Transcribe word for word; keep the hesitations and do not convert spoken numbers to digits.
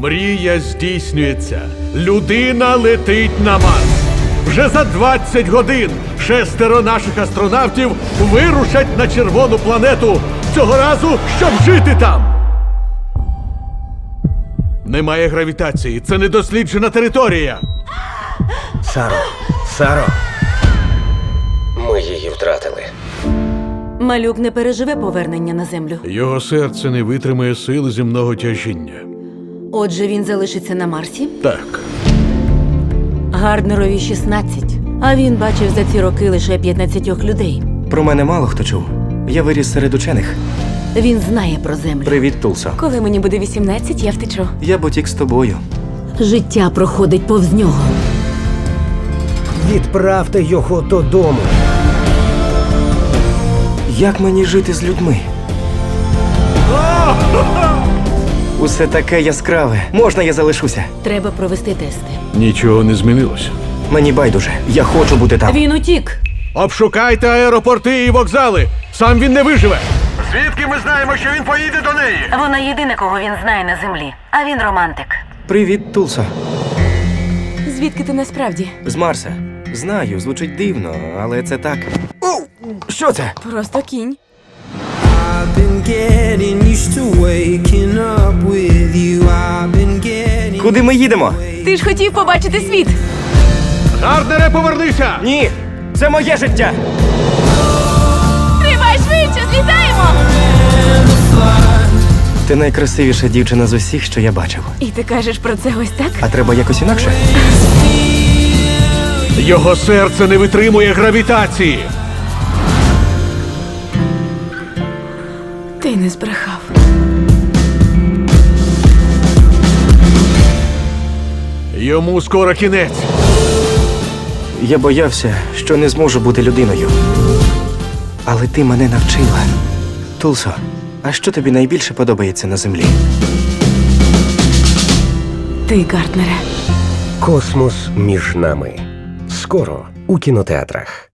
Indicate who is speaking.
Speaker 1: Мрія здійснюється. Людина летить на Марс. Вже за двадцять годин шестеро наших астронавтів вирушать на червону планету. Цього разу, щоб жити там. Немає гравітації. Це недосліджена територія.
Speaker 2: Саро, Саро.
Speaker 3: Ми її втратили.
Speaker 4: Малюк не переживе повернення на землю.
Speaker 1: Його серце не витримає сили земного тяжіння.
Speaker 4: Отже, він залишиться на Марсі.
Speaker 1: Так.
Speaker 4: Гарднерові шістнадцять, а він бачив за ці роки лише п'ятнадцятьох людей.
Speaker 2: Про мене мало хто чув. Я виріс серед учених.
Speaker 4: Він знає про землю.
Speaker 2: Привіт, Тулсо.
Speaker 5: Коли мені буде вісімнадцять, я втечу.
Speaker 2: Я потік з тобою.
Speaker 4: Життя проходить повз нього.
Speaker 6: Відправте його додому.
Speaker 2: Як мені жити з людьми? Усе таке яскраве. Можна я залишуся?
Speaker 4: Треба провести тести.
Speaker 1: Нічого не змінилося.
Speaker 2: Мені байдуже. Я хочу бути там.
Speaker 4: Він утік.
Speaker 1: Обшукайте аеропорти і вокзали. Сам він не виживе. Звідки ми знаємо, що він поїде до неї?
Speaker 4: Вона єдина, кого він знає на землі. А він романтик.
Speaker 2: Привіт, Тулсо.
Speaker 5: Звідки ти насправді?
Speaker 2: З Марса. Знаю, звучить дивно, але це так. О, що це?
Speaker 5: Просто кінь.
Speaker 7: I've been getting used to waking up with you. I've been getting
Speaker 2: Куди ми їдемо?
Speaker 5: Ти ж хотів побачити світ.
Speaker 1: Гарднере, повернися!
Speaker 2: Ні, це моє життя.
Speaker 5: Тривай швидше, злітаємо!
Speaker 2: Ти найкрасивіша дівчина з усіх, що я бачив.
Speaker 5: І ти кажеш про це ось так?
Speaker 2: А треба якось інакше?
Speaker 1: Його серце не витримує гравітації.
Speaker 5: Ти не збрехав.
Speaker 1: Йому скоро кінець.
Speaker 2: Я боявся, що не зможу бути людиною. Але ти мене навчила. Тулсо, а що тобі найбільше подобається на землі?
Speaker 5: Ти, Гарднере.
Speaker 6: Космос між нами. Скоро у кінотеатрах.